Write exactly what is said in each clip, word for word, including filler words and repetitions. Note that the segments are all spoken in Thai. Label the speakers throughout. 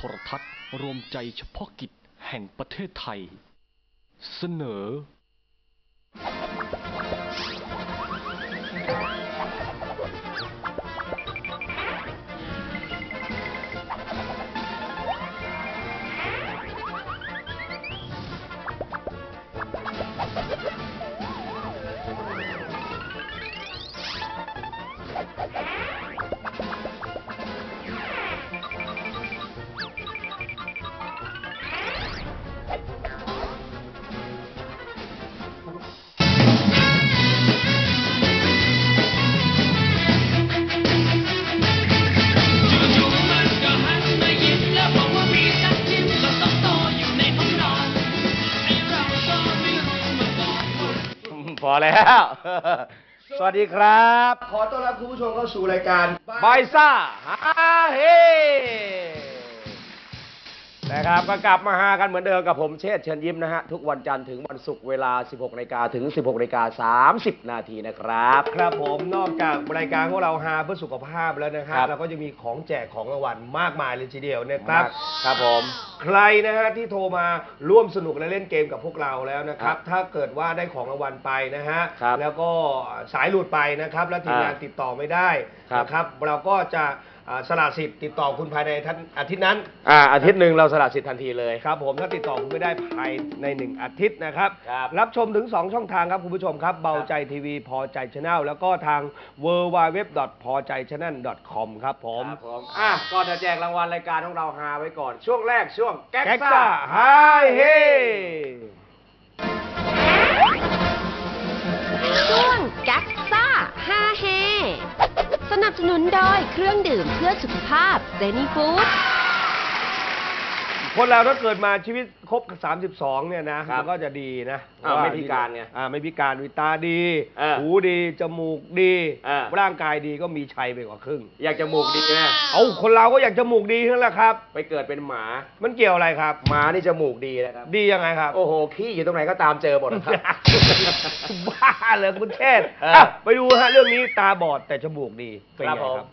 Speaker 1: ทรทัศน์รวมใจเฉพาะกิจแห่งประเทศไทยเสนอ
Speaker 2: พอแล้วสวัสดีครับ
Speaker 3: ขอต้อนรับคุณผู้ชมเข้าสู่รายการ
Speaker 2: บายซ่าฮาเฮนะครับก็กลับมาฮากันเหมือนเดิมกับผมเชษฐ์เชิญยิ้มนะฮะทุกวันจันทร์ถึงวันศุกร์เวลา สิบหกนาฬิกา ถึง สิบหกนาฬิกาสามสิบ นาทีนะครับ
Speaker 3: ครับผมนอกจากรายการของเราฮาเพื่อสุขภาพแล้วนะครับเราก็จะมีของแจกของรางวัลมากมายเลยทีเดียวนะครับ
Speaker 2: ครับผม
Speaker 3: ใครนะฮะที่โทรมาร่วมสนุกและเล่นเกมกับพวกเราแล้วนะครับถ้าเกิดว่าได้ของรางวัลไปนะฮะแล้วก็สายหลุดไปนะครับแล้วทีมงานติดต่อไม่ได้นะครับเราก็จะสละสิทธิ์ติดต่อคุณภายในอาทิตย์นั้น
Speaker 2: อ่าอาทิตย์หนึ่งเราสละสิทธิ์ทันทีเลย
Speaker 3: ครับผมถ้าติดต่อคุณไม่ได้ภายในหนึ่งอาทิตย์นะครับรับชมถึงสองช่องทางครับคุณผู้ชมครับเบาใจทีวีพอใจชาแนลแล้วก็ทาง ดับเบิลยู ดับเบิลยู ดับเบิลยู ดอท พอใจชาแนล ดอท คอม ครับผม
Speaker 2: อ่ะก่อนจะแจกรางวัลรายการของเราฮาไว้ก่อนช่วงแรกช่วงแก๊กซ่า
Speaker 3: ฮาเฮ
Speaker 4: ช่วงแก๊กซ่าฮาเฮสนับสนุนโดยเครื่องดื่มเพื่อสุขภาพเซนีฟู้ด
Speaker 3: คนเราถ้าเกิดมาชีวิตครบสามสิบสองเนี่ยนะมันก็จะดีนะ
Speaker 2: ไม่พิการไง
Speaker 3: ไม่พิการวิตาดีหูดีจมูกดีร่างกายดีก็มีชัยไปกว่าครึ่ง
Speaker 2: อยากจมูกดีนะ
Speaker 3: เอาคนเราก็อยากจมูกดีทั้งนั้นแหละครับ
Speaker 2: ไปเกิดเป็นหมา
Speaker 3: มันเกี่ยวอะไรครับ
Speaker 2: หมานี่จมูกดีนะครับ
Speaker 3: ดียังไงครับ
Speaker 2: โอ้โหขี้อยู่ตรงไหนก็ตามเจอหมดครับ
Speaker 3: บ้าเลยคุณเชษฐ์ไปดูฮะเรื่องนี้ตาบอดแต่จมูกดีเป็นไงครับ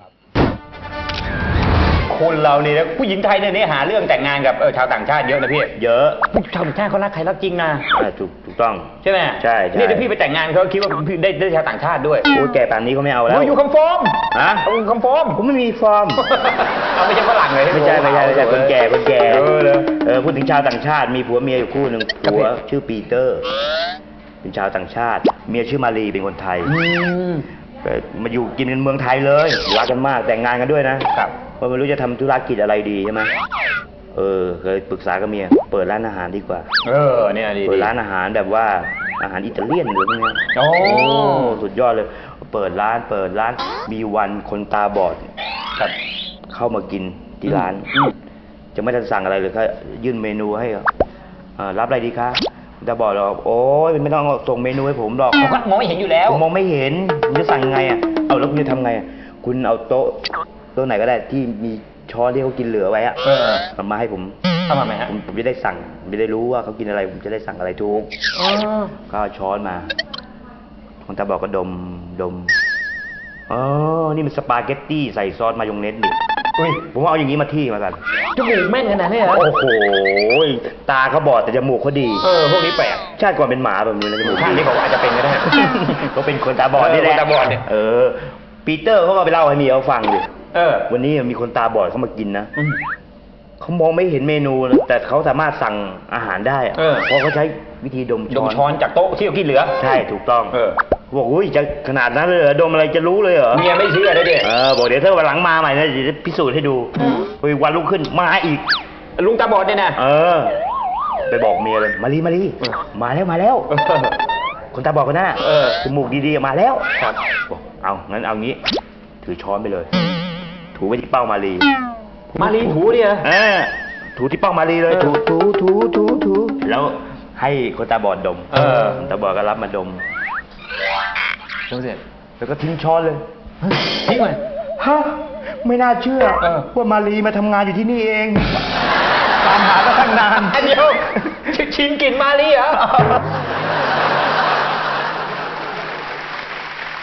Speaker 5: คนเราเนี่ยผู้หญิงไทยเนี่ยหาเรื่องแต่งงานกับชาวต่างชาติเยอะนะพี่
Speaker 2: เยอะ
Speaker 5: ชาวต่างชาติเขารักใครรักจริงนะ
Speaker 2: ถูกถูกต้อง
Speaker 5: ใช่ไหม
Speaker 2: ใช่
Speaker 5: นี่ถ้าพี่ไปแต่งงานเขาคิดว่าพี่ได้ได้ชาวต่างชาติด้วย
Speaker 2: โอ้แก่ป่านนี้เขาไม่เอาแล้ว
Speaker 5: อยู่คำฟอร์ม
Speaker 2: ฮะ
Speaker 5: อยู่คำฟอร์ม
Speaker 2: ผมไม่มีฟอร์ม
Speaker 5: เอาไม่ใช่ฝรั่งเลย
Speaker 2: ไม่ใช่ไม่ใช่ไม่ใช่คนแก่คนแก่เออเออพูดถึงชาวต่างชาติมีผัวเมียอยู่คู่หนึ่งผัวชื่อปีเตอร์เป็นชาวต่างชาติเมียชื่อมารีเป็นคนไทยมาอยู่กินกันเมืองไทยเลยรักกันมากแต่งงานกันด้วยนะครับเพราะไม่รู้จะทำธุรกิจอะไรดีใช่ไหมเออเคยปรึกษากับเมียเปิดร้านอาหารดีกว่า
Speaker 5: เออเนี่ยดี
Speaker 2: เปิดร้านอาหารแบบว่าอาหารอิตาเลียนหรือไง
Speaker 5: โอ้
Speaker 2: สุดยอดเลยเปิดร้านเปิดร้านมีวันคนตาบอดครับเข้ามากินที่ร้านจะไม่ทันสั่งอะไรเลยครับยื่นเมนูให้รับอะไรดีคะจะบอกเราโอ้ยไม่ต้องส่งเมนูให้ผมหรอก
Speaker 5: ผมก็มองไม่เห็นอยู่แล้ว
Speaker 2: ผมมองไม่เห็นคุณจะสั่งไงอ่ะเอาแล้วคุณจะทำไงคุณเอาโต๊ะโต๊ะไหนก็ได้ที่มีช้อนที่เขากินเหลือไว้อ่ะเอามาให้ผม
Speaker 5: ทำมาไหมฮะ
Speaker 2: ผมผมจะได้สั่งไม่ได้รู้ว่าเขากินอะไรผมจะได้สั่งอะไรถูกก็ช้อนมาคนตาบอกก็ดมดมอ๋อนี่มันสปาเกตตี้ใส่ซอสมายองเนสนี่ผมว่าเอาอย่างนี้มาที่มากัน
Speaker 5: จมูกแม่นขนาดนี้เหรอ
Speaker 2: โอ้โหตาเขาบอดแต่จมูกเขาดี
Speaker 5: เออพวกนี้แปลก
Speaker 2: ชาติก่อนเป็นหมาแบบนี้นะจมูก
Speaker 5: ข้างนี้เขาอาจจะเป็นก็ได้
Speaker 2: เขาเป็นคนตาบอดนี่แหละ
Speaker 5: ตาบอดเนี่ย
Speaker 2: เออปีเตอร์เขาก็ไปเล่าให้เมียเขาฟังดิ
Speaker 5: เออ
Speaker 2: วันนี้มีคนตาบอดเขามากินนะเขามองไม่เห็นเมนูนะแต่เขาสามารถสั่งอาหารได้เพราะเขาใช้วิธีดมช้อน
Speaker 5: ดมช้อนจากโต๊ะที่เขากินเหลือ
Speaker 2: ใช่ถูกต้อง
Speaker 5: เออ
Speaker 2: บอกอุ้ยจะขนาดนั้นเลยเหรอดมอะไรจะรู้เลยเหรอ
Speaker 5: เมียไม่เชื่อได้ดิ
Speaker 2: เออบอกเดี๋ยวถ้าวันหลังมาใหม่นะเดี๋ยวจะพิสูจน์ให้ดูไปวันรุ่งขึ้นมาอีก
Speaker 5: ลุงตาบอดเนี่ยนะ
Speaker 2: เออไปบอกเมียเลยมาลีมาลีมาแล้วมาแล้วคนตาบอดคนนั้นจมูกดีๆมาแล้วครับบอกเอางั้นเอางี้ถือช้อนไปเลยถูไปที่เป้ามาลี
Speaker 5: มาลีถูเนี่ย
Speaker 2: เออถูที่เป้ามาลีเลยถูถูถูถูถูแล้วให้คนตาบอดดม
Speaker 5: เออ
Speaker 2: คนตาบอดก็รับมาดม
Speaker 5: ดมเสร็จ
Speaker 2: แล้วก็ทิ้งช้อนเลย
Speaker 5: ทิ้งเลย
Speaker 2: ฮะไม่น่าเชื่อว่ามาลีมาทำงานอยู่ที่นี่เองตามหาก็ตั้งนาน
Speaker 5: เดี๋ยวชิงกลิ่นมาลีเหรอ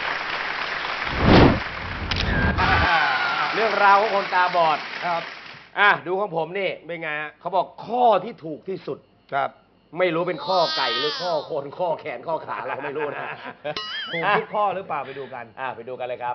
Speaker 2: เรื่องราวของคนตาบอดครับ
Speaker 6: อ่ะดูของผมนี่
Speaker 3: เป็นไงฮะ
Speaker 6: เขาบอกข้อที่ถูกที่สุด
Speaker 3: ครับ
Speaker 6: ไม่รู้เป็นข้อไก่หรือข้อคนข้อแขนข้อขาเราไม่รู้นะ
Speaker 3: ถูกทุกข้อหรือเปล่าไปดูกัน
Speaker 6: อ่ะไปดูกันเลยครับ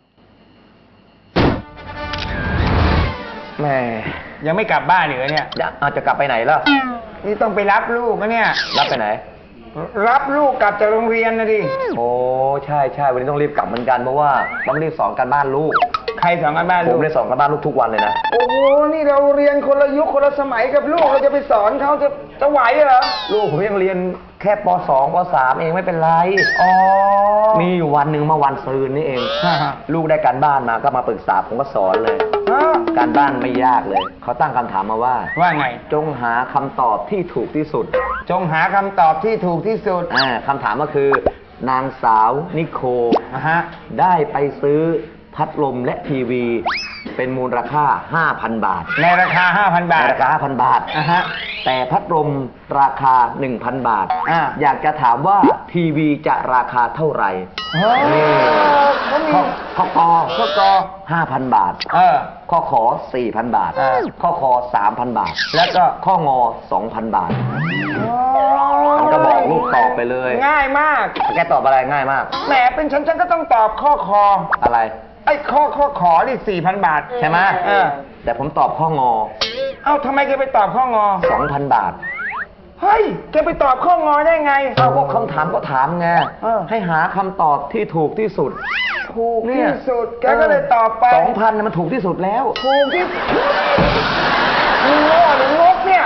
Speaker 5: แม่ยังไม่กลับบ้านเหรอเนี่ยอาจจะกลับไปไหนล่ะนี่ต้องไปรับลูกนะเนี่ยรับไปไหน รับลูกกลับจากโรงเรียนนะดิโอ้ใช่ใช่วันนี้ต้องรีบกลับเหมือนกันเพราะว่าต้องรีบสอนการบ้านลูกใครสอนการบ้านลูกผมได้สอนการบ้านลูกทุกวันเลยนะโอ้โหนี่เราเรียนคนละยุคคนละสมัยกับลูกเราจะไปสอนเขาจะจะไหวเหรอลูกผมยังเรียนแค่ป สอง ป สาม เองไม่เป็นไรอ๋อมีอยู่วันหนึ่งเมื่อวันซืนนี่เองลูกได้การบ้านมาก็มาปรึกษาผมก็สอนเลยการบ้านไม่ยากเลยเขาตั้งคำถามมาว่าว่าไงจงหาคำตอบที่ถูกที่สุดจงหาคำตอบที่ถูกที่สุดอ่าคำถามก็คือนางสาวนิโคฮะได้ไปซื้อพัดลมและทีวีเป็นมูลค่า ห้าพัน บาทในราคา ห้าพัน บาทในราคา ห้าพัน บาทอ่ะฮะแต่พัดลมราคา หนึ่งพัน บาทอ่าอยากจะถามว่าทีวีจะราคาเท่าไหร่เขามีข้อกอข้อกอห้าพัน บาทเออข้อขอ สี่พัน บาทข้อคอ สามพัน บาท แล้วก็ข้องอ สองพัน บาทมันก็บอกลูกตอบไปเลยง่ายมากแกตอบอะไรง่ายมากแหมเป็นฉันฉันก็ต้องตอบข้อคออะไรไอ้ข้อข้อขอนี่ สี่พัน บาทใช่ไหมเออแต่ผมตอบข้องอเอ้าทำไมแกไปตอบข้องอ สองพัน บาทเฮ้ยแกไปตอบข้องอได้ไงเอาก็คำถามก็ถามไงให้หาคำตอบที่ถูกที่สุดถูกที่สุดแกก็เลยตอบไป สองพัน มันถูกที่สุดแล้วถูกที่มึงโง่หรืองกเนี่ย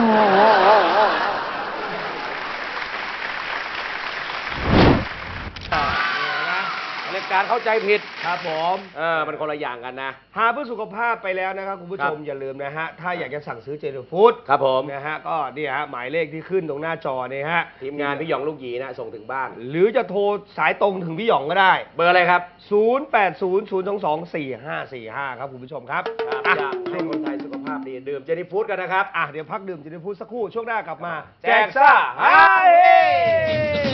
Speaker 6: ในการเข้าใจผิด
Speaker 3: ครับผม
Speaker 6: เออมันคนละอย่างกันนะ
Speaker 3: หาเพื่อสุขภาพไปแล้วนะครับคุณผู้ชม
Speaker 6: ครับ
Speaker 3: อย่าลืมนะฮะถ้าอยากจะสั่งซื้อเจนฟู้ด
Speaker 6: ครับผม
Speaker 3: นะฮะก็นี่ฮะหมายเลขที่ขึ้นตรงหน้าจอเนี่ยฮะ
Speaker 6: ทีมงานพี่หยองลูกหยีนะส่งถึงบ้าน
Speaker 3: หรือจะโทรสายตรงถึงพี่หยองก็ได้
Speaker 6: เบอร์อะไรครับ
Speaker 3: ศูนย์ แปด ศูนย์ ศูนย์ สอง สอง สี่ ห้า สี่ ห้า ครับคุณผู้ชมครับ
Speaker 6: ครับ
Speaker 3: อ่ะ
Speaker 6: อยากให้คนไทยสุขภาพดีดื่มเจนี่ฟู้ดกันนะครับ
Speaker 3: อ่ะเดี๋ยวพักดื่มเจนฟู้ดสักครู่ช่วงหน้ากลับมา
Speaker 6: แจกซ่าฮาเฮ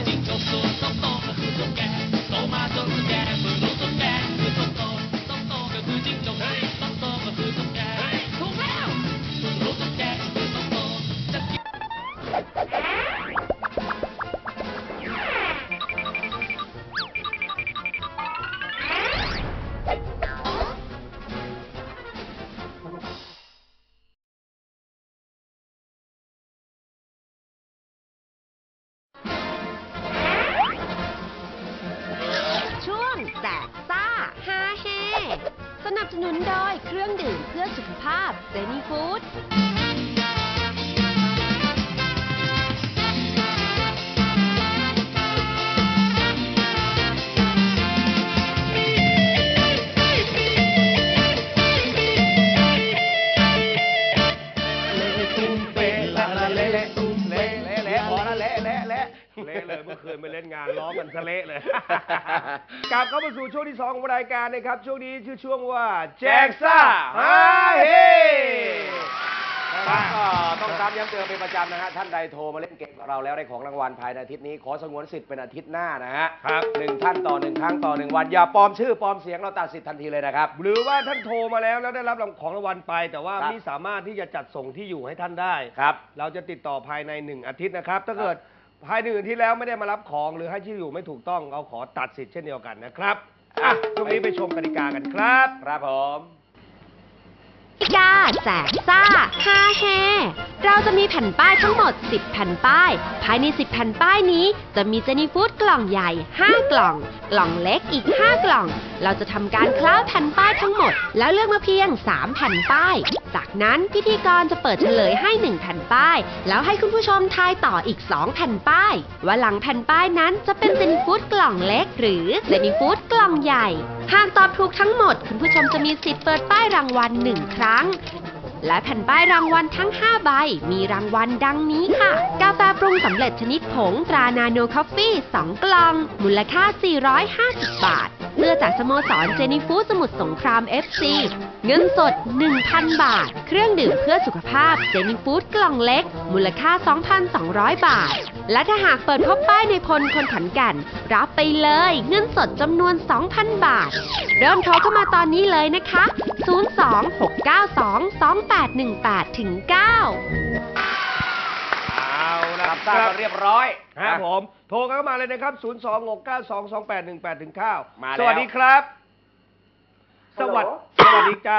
Speaker 4: ช่วงแจกซ่าฮาเฮสนับสนุนโดยเครื่องดื่มเพื่อสุขภาพเจนี่ฟู้ด
Speaker 3: เละเลยเมื่อคืนไปเล่นงานร้องกันซะเละเลย กลับเข้ามาสู่ช่วงที่สองของรายการนะครับช่วงนี้ชื่อช่วงว่าแจกซ่าฮาเฮ
Speaker 6: ครับก็ต้องตามย้ำเตือนเป็นประจำนะฮะท่านใดโทรมาเล่นเกมกับเราแล้วได้ของรางวัลภายในอาทิตย์นี้ขอสงวนสิทธิ์เป็นอาทิตย์หน้านะฮะ
Speaker 3: ครับ
Speaker 6: หนึ่งท่านต่อหนึ่งครั้งต่อหนึ่งวันอย่าปลอมชื่อปลอมเสียงเราตัดสิทธิ์ทันทีเลยนะครับ
Speaker 3: หรือว่าท่านโทรมาแล้วแล้วได้รับของรางวัลไป แต่ว่า
Speaker 6: ครับ
Speaker 3: ไม่สามารถที่จะจัดส่งที่อยู่ให้ท่านได้
Speaker 6: ครับ
Speaker 3: เราจะติดต่อภายในหนึ่งอาทิตย์นะครับ ถ้าเกิดภายในหนึ่งอาทิตย์แล้วไม่ได้มารับของหรือให้ที่อยู่ไม่ถูกต้องเราขอตัดสิทธิ์เช่นเดียวกันนะครับอ่ะช่วงนี้ไปชมกติกากันครับ
Speaker 6: ครับผม
Speaker 4: กติกาแจกซ่าฮาเฮเราจะมีแผ่นป้ายทั้งหมดสิบแผ่นป้าย ภายในสิบแผ่นป้ายนี้จะมีเจนี่ฟู้ดกล่องใหญ่ห้ากล่อง กล่องเล็กอีกห้ากล่อง เราจะทำการคล้าแผ่นป้ายทั้งหมด แล้วเลือกมาเพียงสามแผ่นป้าย จากนั้นพิธีกรจะเปิดเฉลยให้หนึ่งแผ่นป้าย แล้วให้คุณผู้ชมทายต่ออีกสองแผ่นป้าย ว่าหลังแผ่นป้ายนั้นจะเป็นเจนี่ฟู้ดกล่องเล็ก หรือเจนี่ฟู้ดกล่องใหญ่ หากตอบถูกทั้งหมด คุณผู้ชมจะมีสิทธิ์เปิดป้ายรางวัลหนึ่งครั้ง และแผ่นป้ายรางวัลทั้งห้าใบมีรางวัลดังนี้ค่ะ กาแฟปรุงสำเร็จชนิดผงตรานาโนคอฟฟี่สองกล่อง มูลค่า สี่ร้อยห้าสิบ บาท เสื้อจากสโมสรเจนี่ฟู้ดสมุทรสงคราม เอฟ ซี เงินสด หนึ่งพัน บาท เครื่องดื่มเพื่อสุขภาพเจนี่ฟู้ดกล่องเล็ก มูลค่า สองพันสองร้อย บาทและถ้าหากเปิดพบป้ายในพลคนขอนแก่นรับไปเลยเงินสดจำนวน สองพัน บาท เริ่มโทรเข้ามาตอนนี้เลยนะคะ ศูนย์ สอง หก เก้า สอง สอง แปด หนึ่ง แปด ถึง เก้า
Speaker 3: เอาละ
Speaker 6: รับทราบกันเรียบร้อย
Speaker 3: ครับ
Speaker 6: นะ
Speaker 3: ผม โทรเข้ามาเลยนะครับ ศูนย์ สอง หก เก้า สอง สอง แปด หนึ่ง แปด ถึง เก้า
Speaker 6: มาแล้ว
Speaker 3: สวัสดีครับ สวัสดีสวัสดีจ้า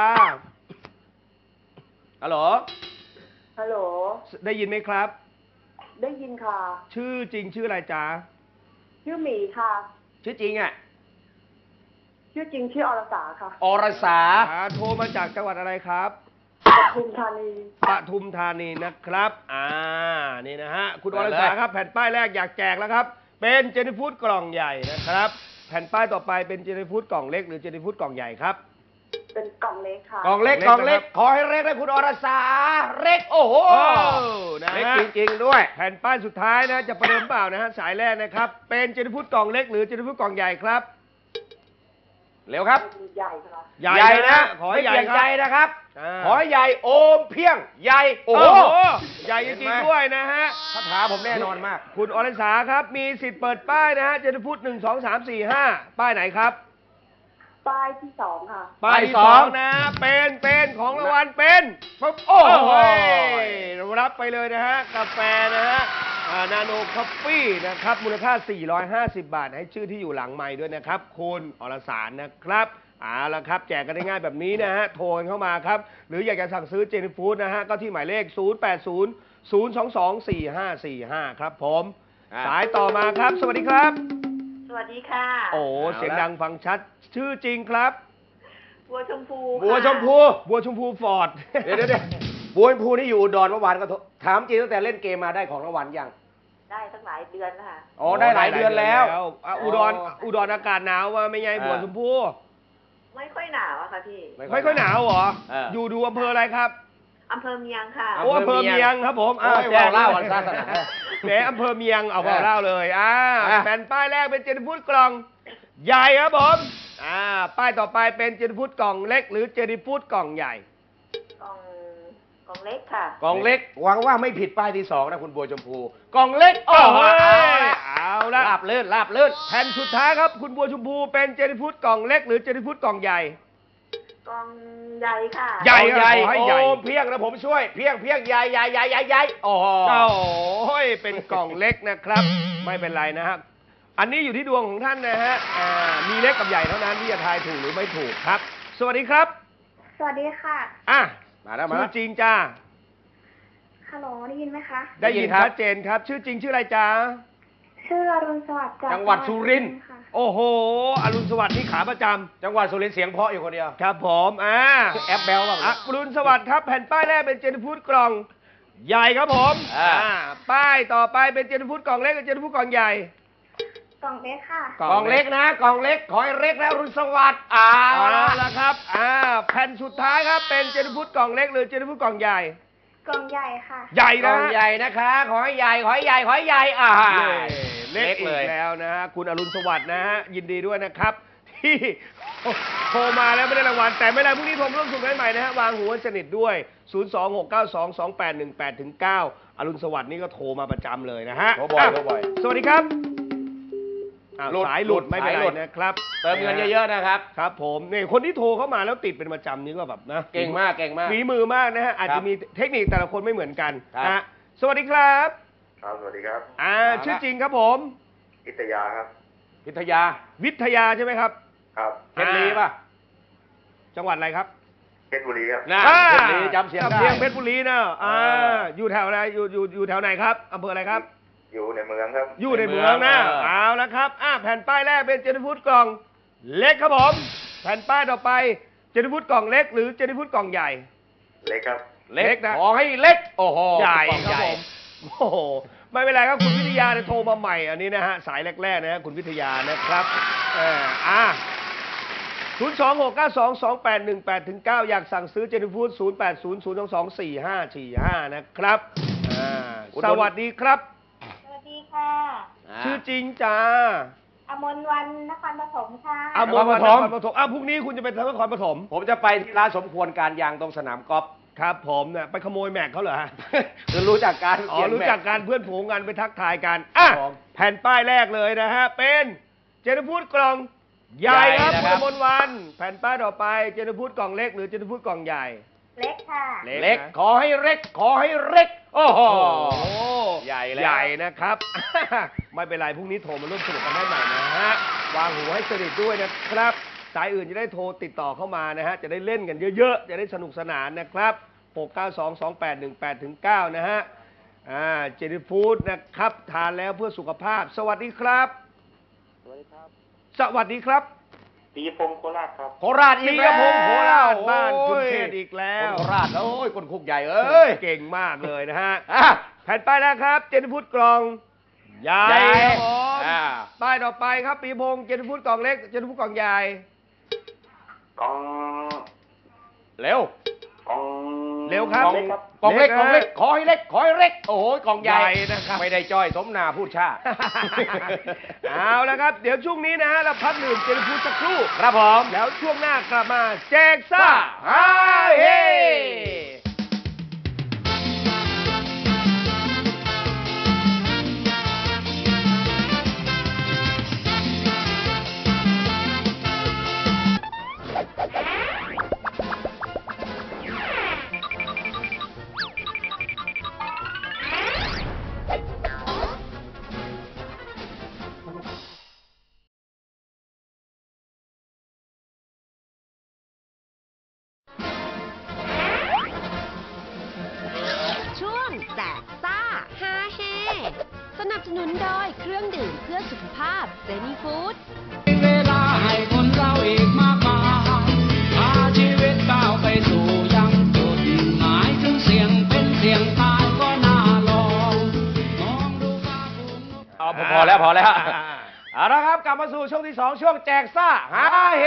Speaker 6: ฮัลโหล
Speaker 7: ฮัลโหล
Speaker 3: ได้ยินไหมครับ
Speaker 7: ได้ยินค่ะ
Speaker 3: ชื่อจริงชื่ออะไรจ๊ะ
Speaker 7: ชื่อหมีค่ะ
Speaker 6: ชื่อจริงอ่ะ
Speaker 7: ชื่อจริงชื่ออรสาค่ะ
Speaker 6: อรสา
Speaker 3: อ่าโทรมาจากจังหวัดอะไรครับ
Speaker 7: ปทุมธานี
Speaker 3: ปทุมธานีนะครับ อ่า นี่นะฮะ คุณอ
Speaker 6: ไป
Speaker 3: ร
Speaker 6: เลย
Speaker 3: สาครับ แผ่นป้ายแรกอยากแจกแล้วครับ เป็นเจนิฟูดกล่องใหญ่นะครับ แผ่นป้ายต่อไปเป็นเจนิฟูดกล่องเล็กหรือเจนิฟูดกล่องใหญ่ครับ
Speaker 7: เป็นกล่องเล็กค่ะ
Speaker 6: กล่องเล็ก
Speaker 3: ก
Speaker 6: ก
Speaker 3: ล่
Speaker 6: ล่
Speaker 3: อ
Speaker 6: อง ง
Speaker 3: เล็
Speaker 6: เล็
Speaker 3: ก
Speaker 6: ก ขอให้เล็กได้คุณอรสาเล็ก โอ้โห
Speaker 3: โอ้นะ
Speaker 6: เล็ก
Speaker 3: ฮะ
Speaker 6: จริงๆด้วย
Speaker 3: แผ่นป้ายสุดท้ายนะจะประเดิมเปล่านะฮะ สายแรกนะครับ เป็นเจนิฟูดกล่องเล็กหรือเจนิฟูดกล่องใหญ่ครับ
Speaker 6: เร็วครับ
Speaker 7: ใหญ่ค่ะ
Speaker 3: ใหญ่นะ ขอให้
Speaker 6: ไม่
Speaker 3: ใหญ่
Speaker 6: เปลี่ยน
Speaker 3: ค
Speaker 6: ใจ
Speaker 3: รับ
Speaker 6: นะครับ
Speaker 3: อ่า
Speaker 6: ขอให้ใหญ่โอมเพียง ใหญ่ โอ้
Speaker 3: โอ้
Speaker 6: โห
Speaker 3: โห ใหญ่จริงๆด้วยนะฮะ
Speaker 6: คาถาผมแน่นอนมาก
Speaker 3: คุณอรสาครับ มีสิทธิ์เปิดป้ายนะฮะ เจนิฟูดหนึ่ง สอง สาม สี่ ห้า ป้ายไหนครับ
Speaker 7: ป้ายที่สองค่ะ
Speaker 3: ป้ายที่
Speaker 6: ป้าย
Speaker 3: ส
Speaker 6: ส
Speaker 3: อ
Speaker 6: อง ง
Speaker 3: นะ เป็นเป็นของรางวัลเป็นปุ๊บโอ้
Speaker 6: โอ้โห
Speaker 3: โหรับไปเลยนะฮะ กาแฟนะฮะนาโนคอฟฟี่นะครับ มูลค่า สี่ร้อยห้าสิบ บาท ให้ชื่อที่อยู่หลังไมค์ด้วยนะครับ คุณอรสารนะครับเอาละครับ แจกกันได้ง่ายแบบนี้นะฮะ โทรกันเข้ามาครับ หรืออยากจะสั่งซื้อเจนิฟูดนะฮะ ก็ที่หมายเลข ศูนย์ แปด ศูนย์ ศูนย์ สอง สอง สี่ ห้า สี่ ห้า ครับผม
Speaker 6: อ่า
Speaker 3: สายต่อมาครับ สวัสดีครับ
Speaker 7: สวัสดีค่ะ
Speaker 3: โอ้เสียงดังฟังชัด ชื่อจริงครับ
Speaker 7: บัวชมพู
Speaker 6: บัวชมพู
Speaker 3: บัวชมพูฟอร์ด
Speaker 6: เดี๋ยวเดี๋ยวเดี๋ยวบัวชมพูนี่อยู่อุดรเมื่อวานก็โทรถามจริงตั้งแต่เล่นเกมมาได้ของรางวัลยัง
Speaker 7: ได้ตั้งหลายเดือนแล้วค่ะ
Speaker 6: อ๋อ ได้หลายเดือนแล้ว
Speaker 3: อ่ะอุดรอุดรอากาศหนาวว่าไม่ไงบัวชมพู
Speaker 7: ไม่ค่อยหนาวอะค่ะพี่
Speaker 3: ไม่ค่อยหนาวเหรอ
Speaker 6: เออ
Speaker 3: อยู่ดูอำเภออะไรครับ
Speaker 7: อำเภอเมียงค่ะ
Speaker 3: โอ้อำเภอเมียงครับผม
Speaker 6: โอ้ย
Speaker 3: แจ้ง
Speaker 6: ว่าวเล่าวันศาสนา
Speaker 3: แหมอำเภอเมียงเอาว่าวเล่าเลยอ่า
Speaker 6: อ่ะ
Speaker 3: แผ่นป้ายแรกเป็นเจนฟูดกล่องใหญ่ครับผมอ่าป้ายต่อไปเป็นเจนฟูดกล่องเล็ก หรือเจนฟูดกล่องใหญ่
Speaker 7: กล่อง กล่องเล็กค่ะ
Speaker 6: กล่องเล็กหวังว่าไม่ผิดป้ายที่สองนะคุณบัวชมพูกล่องเล็ก
Speaker 3: โอ้โห
Speaker 6: เอาละ
Speaker 3: เอาละ
Speaker 6: ลาบเลื่นลาบเลื่น
Speaker 3: แผ่นสุดท้ายครับคุณบัวชมพูเป็นเจนฟูดกล่องเล็ก หรือเจนฟูดกล่องใหญ่
Speaker 7: กล่องใหญ่ค่ะ
Speaker 3: ใหญ่
Speaker 6: ใหญ่
Speaker 3: ขอให้ใหญ่
Speaker 6: โอ้เพียงนะผมช่วย เพียงเพียงใหญ่ใหญ่ใหญ่ใหญ่ใหญ่โอ้โห
Speaker 3: โอ้ยเป็นกล่องเล็กนะครับ ไม่เป็นไรนะครับ อันนี้อยู่ที่ดวงของท่านนะฮะอ่ามีเล็กกับใหญ่เท่านั้นที่จะทายถูกหรือไม่ถูกครับ สวัสดีครับ
Speaker 7: สวัสดีค่ะ
Speaker 3: อ่ะ
Speaker 6: มาแล้วมา
Speaker 3: ชื่
Speaker 6: แล้
Speaker 3: อ
Speaker 6: ว
Speaker 3: จริงจ้า
Speaker 7: ฮัลโหลได้ยินไหมคะ
Speaker 3: ได้ยิน
Speaker 6: ได้ยินครับ
Speaker 3: ชัดเจนครับ ชื่อจริงชื่ออะไรจ้า
Speaker 7: ชื่ออรุณสวัสดิ์จาก
Speaker 6: จังหวัดสุรินทร์
Speaker 7: ค่ะ
Speaker 3: โอ้โห อรุณสวัสดิ์นี่ขาประจำ
Speaker 6: จังหวัดสุรินทร์เสียงเพราะอยู่คนเดียว
Speaker 3: ครับผมอ่า
Speaker 6: แอปแบลบ้าง
Speaker 3: อรุณสวัสดิ์ครับ แผ่นป้ายแรกเป็นเจนฟูดกล่องใหญ่ครับผม
Speaker 6: อ่า
Speaker 3: อ่าป้ายต่อไปเป็นเจนฟูดกล่องเล็กกับเจนฟูดกล่องใหญ่
Speaker 7: กล่องเล็กค่ะ
Speaker 6: กล่องเล็กนะกล่องเล็กขอให้เล็กแล้วรุ่นสวัสดิ์เอา
Speaker 3: เอา
Speaker 6: ละ
Speaker 3: ละครับ อ่า แผ่นสุดท้ายครับ เป็นเจนฟูดกล่องเล็กหรือเจนฟูดกล่องใหญ่
Speaker 7: กล่องใหญ่ค่ะ
Speaker 3: ใหญ่
Speaker 6: กล่
Speaker 3: นะ
Speaker 6: อง
Speaker 3: ฮะ
Speaker 6: ใหญ่นะคะ ขอให้ใหญ่ขอให้ใหญ่ขอให้ใหญ่อ่า
Speaker 3: เล็กอีกแล้วนะฮะ คุณอรุณสวัสดิ์นะฮะ ยินดีด้วยนะครับ ที่โทรมาแล้วไม่ได้รางวัล แต่ไม่เป็นไรพรุ่งนี้โทรร่วมสนุกได้ใหม่นะฮะ วางหูให้สนิทด้วย ศูนย์ สอง หก เก้า สอง สอง แปด หนึ่ง แปด ถึง เก้า อรุณสวัสดิ์นี่ก็โทรมาประจำเลยนะฮะ
Speaker 6: โทรบ่อย
Speaker 3: ะ
Speaker 6: โทรบ่อย
Speaker 3: สวัสดีครับอ้าว
Speaker 6: หลุด
Speaker 3: สายหลุด
Speaker 6: หลุด
Speaker 3: ไม่เป็น
Speaker 6: สาย
Speaker 3: ไร
Speaker 6: หลุด
Speaker 3: นะครับ
Speaker 6: เติมเงินเยอะๆนะครับ
Speaker 3: ครับผมนี่คนที่โทรเข้ามาแล้วติดเป็นประจำนี่ก็แบบนะ
Speaker 6: เก่งมากเก่งมาก
Speaker 3: ฝีมือมากนะฮะ อาจ
Speaker 6: ครั
Speaker 3: จะ
Speaker 6: บ
Speaker 3: มีเทคนิคแต่ละคนไม่เหมือนกัน
Speaker 6: ครับ
Speaker 3: นะฮะสวัสดีครับ
Speaker 8: ครับ สวัสดีครับ
Speaker 3: อ่า
Speaker 6: มาละ
Speaker 3: ชื่อจริงครับผม
Speaker 8: อิตยาครับ
Speaker 6: พิทยา
Speaker 3: วิทยาใช่ไหมครับ
Speaker 8: ครับ
Speaker 6: เพชรลีป่ะ
Speaker 3: จังหวัดอะไรครับ
Speaker 8: เพชรบุรีครับ
Speaker 6: นะ
Speaker 3: อ่า
Speaker 6: เพชรลีจำเสียงได้
Speaker 3: จำเสียงเพชรบุรีนะอ่า
Speaker 6: เออ
Speaker 3: อยู่แถวอะไรอยู่อยู่อยู่แถวไหนครับอำเภออะไรครับ
Speaker 8: อยู่ในเมืองครับ
Speaker 3: อยู่ในเมืองนะ
Speaker 6: เออ
Speaker 3: เอาละครับอ่าแผ่นป้ายแรกเป็นเจนฟูดกล่องเล็กครับผมแผ่นป้ายต่อไปเจนฟูดกล่องเล็ก หรือเจนฟูดกล่องใหญ่
Speaker 8: เล็กครับ
Speaker 3: เล็กนะ
Speaker 6: ขอให้เล็ก โอ้โห
Speaker 3: ใหญ่
Speaker 6: กล่อง
Speaker 3: ครับ
Speaker 6: ใหญ่
Speaker 3: ผมโอ้โหไม่เป็นไรครับคุณวิทยาเนี่ยโทรมาใหม่อันนี้นะฮะสายแรกๆนะฮะคุณวิทยานะครับเอออ่าศูนย์ สอง หก เก้า สอง สอง แปด หนึ่ง แปด ถึง เก้า อยากสั่งซื้อเจนฟูดศูนย์ แปด ศูนย์ ศูนย์ สอง สอง สี่ ห้า สี่ ห้านะครับอ่าสวัสดีครับ
Speaker 7: สวัสดีค่ะ
Speaker 6: อ่า
Speaker 3: ชื่อจริงจ้า
Speaker 7: อมนวันนครปฐมค่ะ
Speaker 3: อมร
Speaker 6: นครปฐม
Speaker 3: นครปฐมอ่ะพรุ่งนี้คุณจะไปทางนครปฐม
Speaker 6: ผมจะไปที่ร้านสมควรการยางตรงสนามกอล์ฟ
Speaker 3: ครับผมเนี่ยไปขโมยแม็กเขาเหรอฮะ
Speaker 6: คือรู้จักการ
Speaker 3: อ๋อ
Speaker 6: เขียน
Speaker 3: รู้
Speaker 6: แม็
Speaker 3: จักการเพื่อนฝูงกันไปทักทายกันอ่ะ
Speaker 6: ครับผม
Speaker 3: แผ่นป้ายแรกเลยนะฮะเป็นเจนฟูดกล่องใหญ่ครับ
Speaker 6: ใหญ่
Speaker 3: คุ
Speaker 6: นะ
Speaker 3: ณ
Speaker 6: ครับ
Speaker 3: มนวันแผ่นป้ายต่อไปเจนฟูดกล่องเล็กหรือเจนฟูดกล่องใหญ่
Speaker 7: เล็กค่ะ
Speaker 6: เล็ก
Speaker 3: นะ
Speaker 6: ขอให้เล็ก ขอให้เล็ก โอ้โห
Speaker 3: โอ้โห
Speaker 6: ใหญ่แล้ว
Speaker 3: ใหญ่นะครับ ไม่เป็นไรพรุ่งนี้โทรมาร่วมสนุกกันได้ใหม่นะฮะวางหูให้สนิทด้วยนะครับสายอื่นจะได้โทรติดต่อเข้ามานะฮะจะได้เล่นกันเยอะๆจะได้สนุกสนานนะครับหก เก้า สอง สอง แปด หนึ่ง แปด ถึง เก้านะฮะอ่าเจนี่ฟู้ดนะครับทานแล้วเพื่อสุขภาพ สวัสดีครับ
Speaker 8: สวัสดีครับ
Speaker 3: สวัสดีครับ
Speaker 8: ปีพงศ์โคราชครับ
Speaker 6: โคราชอี
Speaker 3: ปี
Speaker 6: ก
Speaker 3: ก
Speaker 6: แล้
Speaker 3: ระ
Speaker 6: ว
Speaker 3: พงโคราชบ้าน
Speaker 6: โอ้
Speaker 3: คุณ
Speaker 6: ย
Speaker 3: เทศอีกแล้
Speaker 6: คน
Speaker 3: ว
Speaker 6: โคราชโอ้ยคนคุกใหญ่เอ้ย
Speaker 3: เก่งมากเลยนะฮะ
Speaker 6: อ่ะ
Speaker 3: แผ่นป้ายแรกครับเจนี่ฟู้ดกล่องใหญ่
Speaker 6: ใหญ่
Speaker 3: ครับผม
Speaker 6: อ่า
Speaker 3: ป้ายต่อไปครับปีพงเจนี่ฟู้ดกล่องเล็กเจนี่ฟู้ดกล่องใหญ่
Speaker 8: กอง
Speaker 6: เร็ว
Speaker 8: กอง
Speaker 3: เร็วครับ
Speaker 6: กล่อง
Speaker 8: เล็กครับ
Speaker 6: กล่องเล็ก
Speaker 3: เล็ก
Speaker 6: กล่องเล็ก
Speaker 3: นะ
Speaker 6: ขอให้เล็ก ขอให้เล็ก โอ้โหกล่องใหญ่
Speaker 3: ใหญ่นะครับ
Speaker 6: ไม่ได้จ้อยสมนาพูดชา
Speaker 3: เอาละครับ เดี๋ยวช่วงนี้นะฮะเราพักดื่มเจนฟูดสักครู่
Speaker 6: ครับผม
Speaker 3: แล้วช่วงหน้ากลับมาแจกซ่า
Speaker 6: ฮาเฮ
Speaker 4: ช่วงแจกซ่าฮาเฮสนับสนุนโดยเครื่องดื่มเพื่อสุขภาพเจนี่ฟู้ด
Speaker 9: เวลาให้คนเราอีกมากมายพาชีวิตก้าวไปสู่ยังจุดหมายถึงเสียงเป็นเสียงตายก็น่าลองมองดูฟ้าฝุ่น
Speaker 6: เอาพอพอแล้วพอแล้วเอาละครับกลับมาสู่ช่วงที่สองช่วงแจกซ่าฮาเฮ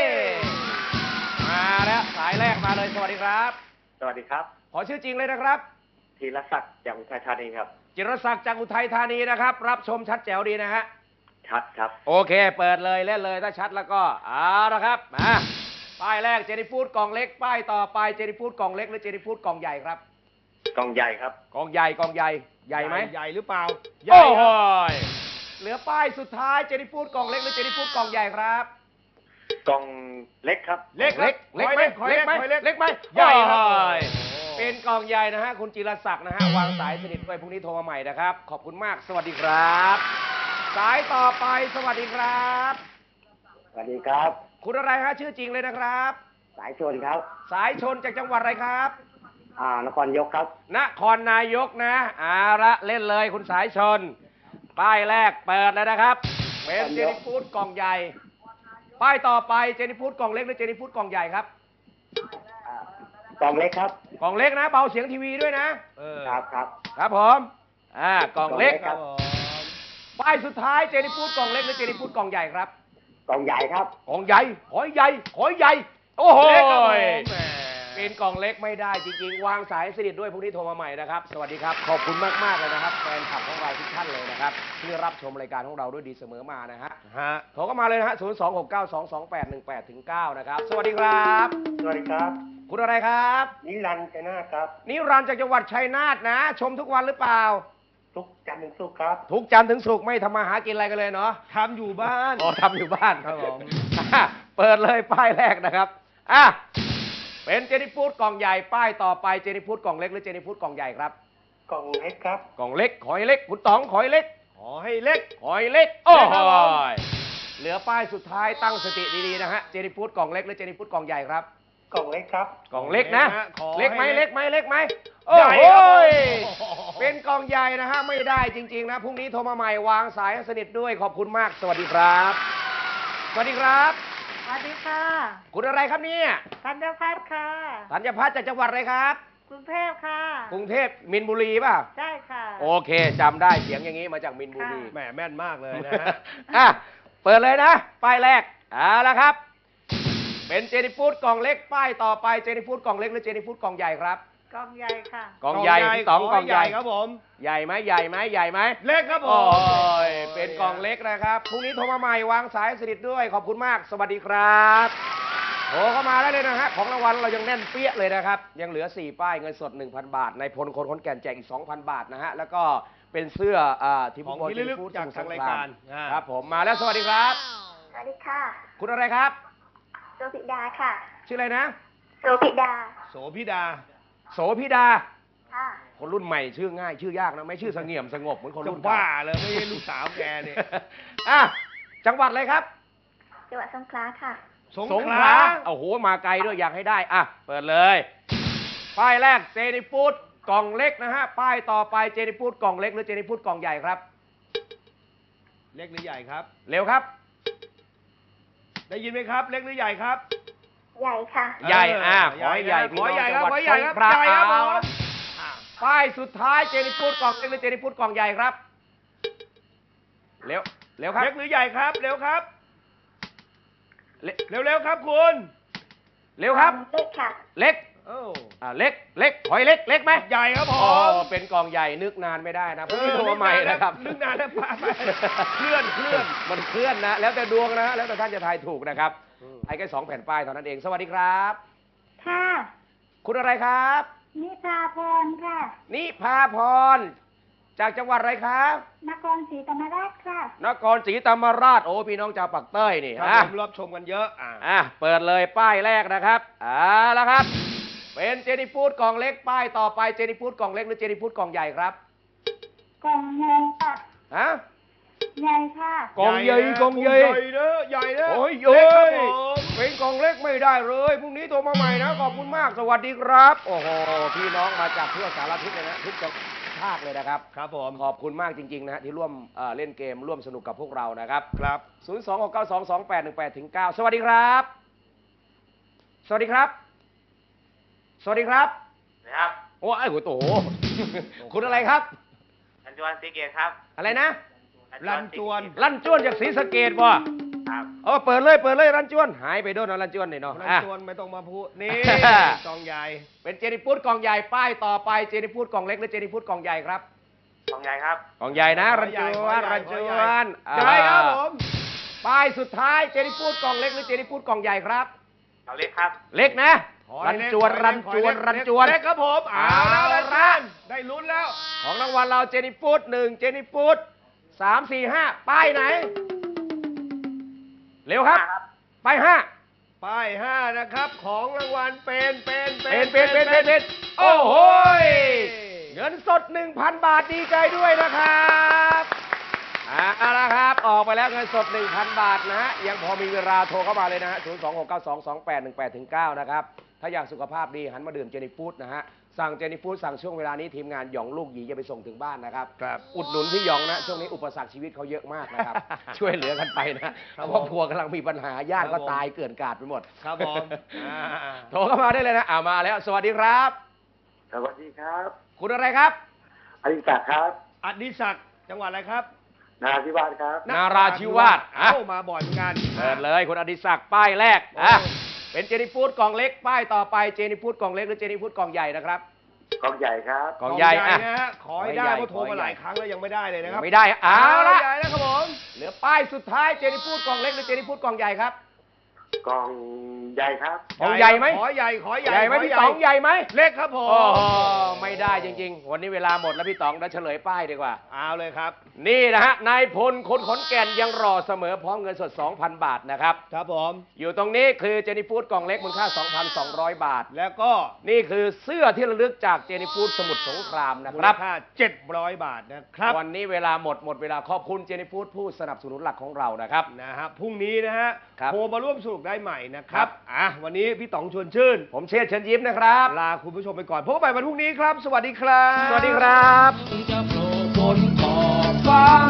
Speaker 6: มาแล้วสายแรกมาเลยสวัสดีครับ
Speaker 8: สวัสดีครับ
Speaker 6: ขอชื่อจริงเลยนะครับ
Speaker 8: ธีรศักดิ์จากอุทัยธานีครับ
Speaker 6: จิรศักดิ์จากอุทัยธานีนะครับ รับชมชัดแจ๋วดีนะฮะ
Speaker 8: ชัดครับ
Speaker 6: โอเค เปิดเลยเล่นเลยถ้าชัดแล้วก็เอาละครับมาป้ายแรกเจนี่ฟูดกล่องเล็กป้ายต่อไปเจนี่ฟูดกล่องเล็กหรือเจนี่ฟูดกล่องใหญ่ครับ
Speaker 8: กองใหญ่ครับ
Speaker 6: กล่องใหญ่กล่องใหญ่ใหญ่ไหม
Speaker 3: ใหญ่หรือเปล่า
Speaker 6: โอ้โหยเหลือป้ายสุดท้ายเจนี่ฟูดกล่องเล็กหรือเจนี่ฟูดกล่องใหญ่ครับ
Speaker 8: กองเล็กครับ
Speaker 3: เล็ก
Speaker 6: เล็กเล็กไหม
Speaker 3: ขอ
Speaker 6: เล็กไหม
Speaker 3: ขอเล็ก
Speaker 6: เล็กไหม
Speaker 3: ใหญ่ครับ
Speaker 6: โอ้ยเป็นกล่องใหญ่นะฮะคุณจิรศักดิ์นะฮะวางสายสนิทด้วยพรุ่งนี้โทรมาใหม่นะครับขอบคุณมากสวัสดีครับ สายต่อไปสวัสดีครับ
Speaker 8: สวัสดีครับ
Speaker 6: คุณอะไรฮะชื่อจริงเลยนะครับ
Speaker 8: สายชนครับ
Speaker 6: สายชนจากจังหวัดอะไรครับ
Speaker 8: อ่านครยกครับ
Speaker 6: นครนายกนะเอาละเล่นเลยคุณสายชน ป้ายแรกเปิดแล้วนะครับเป็นเจนี่ฟูดกล่องใหญ่ ป้ายต่อไปเจนี่ฟูดกล่องเล็กหรือเจนี่ฟูดกล่องใหญ่ครับ
Speaker 8: กองเล็กครับ
Speaker 6: กล่องเล็กนะเบาเสียงทีวีด้วยนะ
Speaker 3: เออ
Speaker 8: ครับครับ
Speaker 6: ครับผมอ่ากล่องเล็ก
Speaker 8: ครับ
Speaker 6: ป้ายสุดท้ายเจนี่ฟูดกล่องเล็กหรือเจนี่ฟูดกล่องใหญ่ครับ
Speaker 8: กองใหญ่ครับ
Speaker 6: กล่องใหญ่ขอยใหญ่ขอยใหญ่โอ้โห
Speaker 3: เล็กครับผมแหม
Speaker 6: เป็นกล่องเล็กไม่ได้จริงๆ วางสายสนิทด้วยพรุ่งนี้โทรมาใหม่นะครับ สวัสดีครับ ขอบคุณมากๆเลยนะครับแฟนคลับของเราทุกท่านเลยนะครับที่รับชมรายการของเราด้วยดีเสมอมานะฮะ
Speaker 3: ฮะ
Speaker 6: โทรเข้ามาเลยนะฮะศูนย์ สอง หก เก้า สอง สอง แปด หนึ่ง แปด ถึง เก้านะครับ สวัสดีครับ
Speaker 8: สวัสดีครับ
Speaker 6: คุณอะไรครับ
Speaker 8: นิรันดร์ชัยนาทครับ
Speaker 6: นิรันดร์จากจังหวัดชัยนาทนะ ชมทุกวันหรือเปล่า
Speaker 8: ทุกจันทร์ถึงศุกร์ครับ
Speaker 6: ทุกจันทร์ถึงศุกร์ไม่ทำมาหากินอะไรกันเลยเนาะ
Speaker 3: ทำอยู่บ้าน
Speaker 6: อ๋อทำอยู่บ้าน
Speaker 3: ครับผม
Speaker 6: อ่ะเปิดเลยป้ายแรกนะครับอ่ะเป็นเจนี่ฟูดกล่องใหญ่ป้ายต่อไปเจนี่ฟูดกล่องเล็กหรือเจนี่ฟูดกล่องใหญ่ครับ
Speaker 8: กองเล็กครับ
Speaker 6: กล่องเล็กขอยเล็กคุณต๋องขอยเล็ก
Speaker 3: ขอให้เล็ก
Speaker 6: ขอยเล็กโอ้
Speaker 3: เล็ก
Speaker 6: โห
Speaker 3: ครับผม
Speaker 6: เหลือป้ายสุดท้ายตั้งสติดีๆนะฮะเจนี่ฟูดกล่องเล็กหรือเจนี่ฟูดกล่องใหญ่ครับ
Speaker 8: กองเล็กครับ
Speaker 6: กล่องเล็กนะ
Speaker 3: ขอให้
Speaker 6: เล็กไหม
Speaker 3: เล็
Speaker 6: เล็
Speaker 3: ก
Speaker 6: กไหมเล็กไหม
Speaker 3: ใหญ่
Speaker 6: โอ้โห
Speaker 3: ครับ
Speaker 6: ย
Speaker 3: ผม
Speaker 6: เป็นกล่องใหญ่นะฮะไม่ได้จริงๆนะพรุ่งนี้โทรมาใหม่วางสายให้สนิทด้วยขอบคุณมากสวัสดีครับ สวัสดีครับ
Speaker 7: สวัสดีค่ะ
Speaker 6: คุณอะไรครับเนี่ย
Speaker 7: ธัญพัฒน์ค่ะ
Speaker 6: ธัญพัฒน์จากจังหวัดอะไรครับ
Speaker 7: กรุงเทพค่ะ
Speaker 6: กรุงเทพมินบุรีป่ะ
Speaker 7: ใช่ค่ะ
Speaker 6: โอเคจำได้เสียงอย่างนี้มาจากมินบุรี
Speaker 3: แหมแม่นมากเลยนะฮะ
Speaker 6: อ่ะเปิดเลยนะป้ายแรกเอาละครับ เป็นเจนี่ฟูดกล่องเล็กป้ายต่อไปเจนี่ฟูดกล่องเล็กหรือเจนี่ฟูดกล่องใหญ่ครับ
Speaker 7: กองใหญ่ค่ะ
Speaker 6: กล่องใหญ่คุณต๋องกล่องใหญ่
Speaker 3: ครับผม
Speaker 6: ใหญ่ไหมใหญ่ไหมใหญ่ไหม
Speaker 3: เล็กครับผ
Speaker 6: โอ้
Speaker 3: ม
Speaker 6: ยเป็นกล่องเล็กนะครับพรุ่งนี้โทรมาใหม่วางสายสนิทด้วยขอบคุณมาก สวัสดีครับโทรเข้ามาได้เลยนะฮะของรางวัลเรายังแน่นเปี้ยเลยนะครับยังเหลือสี่ป้ายเงินสด หนึ่งพัน บาทในพลคนขอนแก่นแจกอีก สองพัน บาทนะฮะแล้วก็เป็นเสื้ออ่าทีม
Speaker 3: ของ
Speaker 6: ฟุตบอล
Speaker 3: ที่ระลึก
Speaker 6: ฟู้ด
Speaker 3: จาก
Speaker 6: สมุท
Speaker 3: ทาง
Speaker 6: ส
Speaker 3: ราย
Speaker 6: ค
Speaker 3: การอ่า
Speaker 6: ครับผมมาแล้วสวัสดีครับ
Speaker 7: สวัสดีค่ะ
Speaker 6: คุณอะไรครับ
Speaker 7: โสภิดาค่ะ
Speaker 6: ชื่ออะไรนะ
Speaker 7: โสภิดา
Speaker 3: โสภิดา
Speaker 6: โสภิดา
Speaker 7: ค่ะ
Speaker 6: คนรุ่นใหม่ชื่อง่าย ชื่อยากนะไม่ชื่อเสงี่ยมสงบเหมือนคน
Speaker 3: จะ
Speaker 6: รุ่น
Speaker 3: บ้า
Speaker 6: เก่
Speaker 3: เลยไม่ใช่ลูกสาวแกเนี่ย
Speaker 6: อ่ะจังหวัดอะไรครับ
Speaker 7: จังหวัดสงขลาค่ะ
Speaker 3: สง
Speaker 6: สง
Speaker 3: ข
Speaker 6: ข
Speaker 3: ลา
Speaker 6: ลาโอ้โหมาไกลด้วยอยากให้ได้อ่ะเปิดเลย ป้ายแรกเจนิฟูดกล่องเล็กนะฮะป้ายต่อไปเจนิฟูดกล่องเล็กหรือเจนิฟูดกล่องใหญ่ครับ
Speaker 3: เล็กหรือใหญ่ครับ
Speaker 6: เร็วครับ
Speaker 3: ได้ยินไหมครับ เล็กหรือใหญ่ครับ
Speaker 7: ใหญ่ค่ะ
Speaker 6: ใหญ่อ่ะ
Speaker 3: เ
Speaker 6: ขอให้ใหญ่
Speaker 3: ขอให้ใหญ่ครับ
Speaker 6: พี่
Speaker 3: ขอ
Speaker 6: น้
Speaker 3: ให้
Speaker 6: อง
Speaker 3: ใหญ่
Speaker 6: จั
Speaker 3: ครับ
Speaker 6: งหวัดสงขลา
Speaker 3: ใหญ่ครับผ
Speaker 6: เอา
Speaker 3: ม
Speaker 6: ละป้ายสุดท้ายเจนิฟูดกล่องเล็กหรือเจนิฟูดกล่องใหญ่ครับเร็วเร็วครับ
Speaker 3: เล็กหรือใหญ่ครับ เร็วครับ
Speaker 6: เร็ว
Speaker 3: เร็วๆครับคุณ
Speaker 6: เร็วครับ
Speaker 7: เล็กค่ะ
Speaker 6: เล็ก
Speaker 3: โอ้
Speaker 6: อ่าเล็กเล็กหอยเล็กเล็กไหม
Speaker 3: ใหญ่ครับผ
Speaker 6: อ๋อ
Speaker 3: ม
Speaker 6: เป็นกล่องใหญ่นึกนานไม่ได้นะพรุ่งนี้โทรมาใหม่นะครับ
Speaker 3: นึกนานแล้วป้าไปเคลื่อนเคลื่อน
Speaker 6: มันเคลื่อนนะ แล้วแต่ดวงนะ แล้วแต่ท่านจะทายถูกนะครับไอ้แค่สองแผ่นป้ายเท่านั้นเอง สวัสดีครับ
Speaker 7: ค่ะ
Speaker 6: คุณอะไรครับ
Speaker 7: นิพาพรค่ะ
Speaker 6: นิพาพร จากจังหวัดอะไรครับ
Speaker 7: นครศรีธรรมราชค่ะ
Speaker 6: นครศรีธรรมราช โอ้พี่น้องชาวปากเต้ยนี่
Speaker 3: ครับ
Speaker 6: อ่ะ
Speaker 3: ผมรับชมกันเยอะอ่า
Speaker 6: อ่ะเปิดเลยป้ายแรกนะครับอ่าแล้วครับ เป็นเจนิฟูดกล่องเล็กป้ายต่อไปเจนิฟูดกล่องเล็กหรือเจนิฟูดกล่องใหญ่ครับ
Speaker 7: กล่องใหญ่ค่ะ
Speaker 6: ฮะ
Speaker 7: ใหญ่ค่ะ
Speaker 6: กล่องใหญ่กล่องใหญ่
Speaker 3: ใหญ่เนอะใหญ่เนอะ
Speaker 6: โอ้ย
Speaker 3: เล็กครับ
Speaker 6: โอ้ย
Speaker 3: ผม
Speaker 6: เป็นกล่องเล็กไม่ได้เลยพรุ่งนี้โทรมาใหม่นะขอบคุณมากสวัสดีครับ โอ้โหพี่น้องมาจากทั่วสารทิศเลยนะทุกจังภาคเลยนะครับ
Speaker 3: ครับผม
Speaker 6: ขอบคุณมากจริงๆนะฮะที่ร่วมเอ่อเล่นเกมร่วมสนุกกับพวกเรานะครับ
Speaker 3: ครับ
Speaker 6: ศูนย์ สอง หก เก้า สอง สอง แปด หนึ่ง แปด ถึง เก้า สวัสดีครับ สวัสดีครับ สวัสดีครับ
Speaker 10: นะครับ
Speaker 6: โอ้ไอ้หัวโต คุณอะไรครับ
Speaker 10: รันจวนสีเกตครับ
Speaker 6: อะไรนะ
Speaker 3: รันจวน
Speaker 6: ลั่นจ้วนจากศรีสะเกษบ่
Speaker 10: ครับ
Speaker 6: เออเปิดเลยเปิดเลยรันจวนหายไปโดนเอารันจวนนี่เนาะ
Speaker 3: รัน
Speaker 6: อ่ะ
Speaker 3: จวนไม่ต้องมาพูด นี่ กองใหญ่
Speaker 6: เป็นเจนิฟูดกล่องใหญ่ป้ายต่อไปเจนิฟูดกล่องเล็กหรือเจนิฟูดกล่องใหญ่ครับ
Speaker 10: กองใหญ่ครับ
Speaker 6: กล่องใหญ่นะ
Speaker 3: ข
Speaker 6: รั
Speaker 3: อน ใหญ่
Speaker 6: จ
Speaker 3: ข
Speaker 6: ว
Speaker 3: อน ใหญ่
Speaker 6: รันจ
Speaker 3: ขอ
Speaker 6: ว
Speaker 3: ใหญ่
Speaker 6: น
Speaker 3: ใหญ่ครับผม
Speaker 6: ป้ายสุดท้ายเจนิฟูดกล่องเล็กหรือเจนิฟูดกล่องใหญ่ครับ
Speaker 10: กองเล็กครับ
Speaker 6: เล็กนะ
Speaker 3: ขอ
Speaker 6: รั
Speaker 3: ให้
Speaker 6: น
Speaker 3: เล็ก
Speaker 6: จวน
Speaker 3: ขอ
Speaker 6: รั
Speaker 3: ให้
Speaker 6: น
Speaker 3: เล็ก
Speaker 6: จวน
Speaker 3: ขอ
Speaker 6: รัน
Speaker 3: ให้
Speaker 6: จวน
Speaker 3: เล็กครับผมเอา
Speaker 6: เอา
Speaker 3: แล้ว
Speaker 6: ละ
Speaker 3: ได้ลุ้นแล้ว
Speaker 6: ของรางวัลเราเจนิฟูดหนึ่งเจนิฟูดสามสี่ห้าป้ายไหน เร็วครับ ป้ายห้า
Speaker 3: ป้ายห้านะครับ ของรางวัลเป็นเป็น
Speaker 6: เป็นเป็นเป็นเป็นเป็นโอ้โหยเงินสด หนึ่งพัน บาทดีใจด้วยนะครับเอาละครับ ออกไปแล้วเงินสด หนึ่งพัน บาทนะฮะ ยังพอมีเวลาโทรเข้ามาเลยนะฮะ ศูนย์ สอง หก เก้า สอง สอง แปด หนึ่ง แปด ถึง เก้า นะครับ ถ้าอยากสุขภาพดีหันมาดื่มเจนี่ฟู้ดนะฮะ สั่งเจนี่ฟู้ดสั่งช่วงเวลานี้ทีมงานหยองลูกหยีจะไปส่งถึงบ้านนะครับ
Speaker 3: ครับ
Speaker 6: อุดหนุนพี่หยองนะ ช่วงนี้อุปสรรคชีวิตเขาเยอะมากนะครับ ช่วยเหลือกันไปนะครอบครัวกำลังมีปัญหาญาติก็ตายเกลื่อนกลาดไปหมด
Speaker 3: ครับผมอ่า
Speaker 6: โทรเข้ามาได้เลยนะอ่ามาแล้ว สวัสดีครับ
Speaker 10: สวัสดีครับ
Speaker 6: คุณอะไรครับ
Speaker 10: อดิศักดิ์ครับ
Speaker 3: อดิศักดิ์จังหวัดอะไรครับ
Speaker 10: นาธิวาสครับ
Speaker 6: นาราธิวาสอ่ะ
Speaker 3: เอ้ามาบ่อยเหมือนกัน
Speaker 6: เปิดเลยคุณอดิศักดิ์ป้ายแรกอ่ะ
Speaker 3: โอ้
Speaker 6: เป็นเจนี่ฟู้ดกล่องเล็กป้ายต่อไปเจนี่ฟู้ดกล่องเล็กหรือเจนี่ฟู้ดกล่องใหญ่นะครับ
Speaker 10: กองใหญ่ครับ
Speaker 6: กล่องใหญ่อ่ะ
Speaker 3: นะฮะขอให้ได้
Speaker 6: ขอให้ใหญ่
Speaker 3: เพราะโทรมาหลายครั้งแล้วยังไม่ได้เลยนะครับ
Speaker 6: ไม่ได้เอาละ
Speaker 3: ใหญ่นะครับผม
Speaker 6: เหลือป้ายสุดท้ายเจนี่ฟู้ดกล่องเล็กหรือเจนี่ฟู้ดกล่องใหญ่ครับ
Speaker 10: กองใหญ่ครับ
Speaker 6: กล่องใหญ่ไหม
Speaker 3: ขอใหญ่ขอใหญ่
Speaker 6: ใหญ่ไหม
Speaker 3: ข
Speaker 6: พี่ต๋องใหญ่ไหม
Speaker 3: เล็กครับผม
Speaker 6: โอ้โหไม่ได้จริงๆ วันนี้เวลาหมดแล้วพี่ต๋องเดี๋ยวเฉลยป้ายดีกว่า
Speaker 3: เอาเลยครับ
Speaker 6: นี่นะฮะนายพลคนขอนแก่นยังรอเสมอพร้อมเงินสด สองพัน บาทนะครับ
Speaker 3: ครับผม
Speaker 6: อยู่ตรงนี้คือเจนี่ฟู้ดกล่องเล็กมูลค่า สองพันสองร้อย บาท
Speaker 3: แล้วก็
Speaker 6: นี่คือเสื้อที่ระลึกจากเจนี่ฟู้ดสมุทรสงครามนะ
Speaker 3: มู
Speaker 6: ค
Speaker 3: ล
Speaker 6: รับ
Speaker 3: ค่าเจ็ดร้อยบาทนะครับ
Speaker 6: วันนี้เวลาหมดหมดเวลาขอบคุณเจนี่ฟู้ดผู้สนับสนุนหลักของเรานะครับ
Speaker 3: นะฮะพรุ่งนี้นะฮะ
Speaker 6: ครับ
Speaker 3: โทรมาร่วมสนุกได้ใหม่นะค
Speaker 6: ครั
Speaker 3: รับบ อ่ะวันนี้พี่ต๋องชวนชื่น
Speaker 6: ผมเชษฐ์เชิญยิ้มนะครับ
Speaker 3: ลาคุณผู้ชมไปก่อนพบกันใหม่วันพรุ่งนี้ครับ สวัสดีครับ
Speaker 6: สวัสดีครับ
Speaker 9: จะโผล่บนขอบฟ้า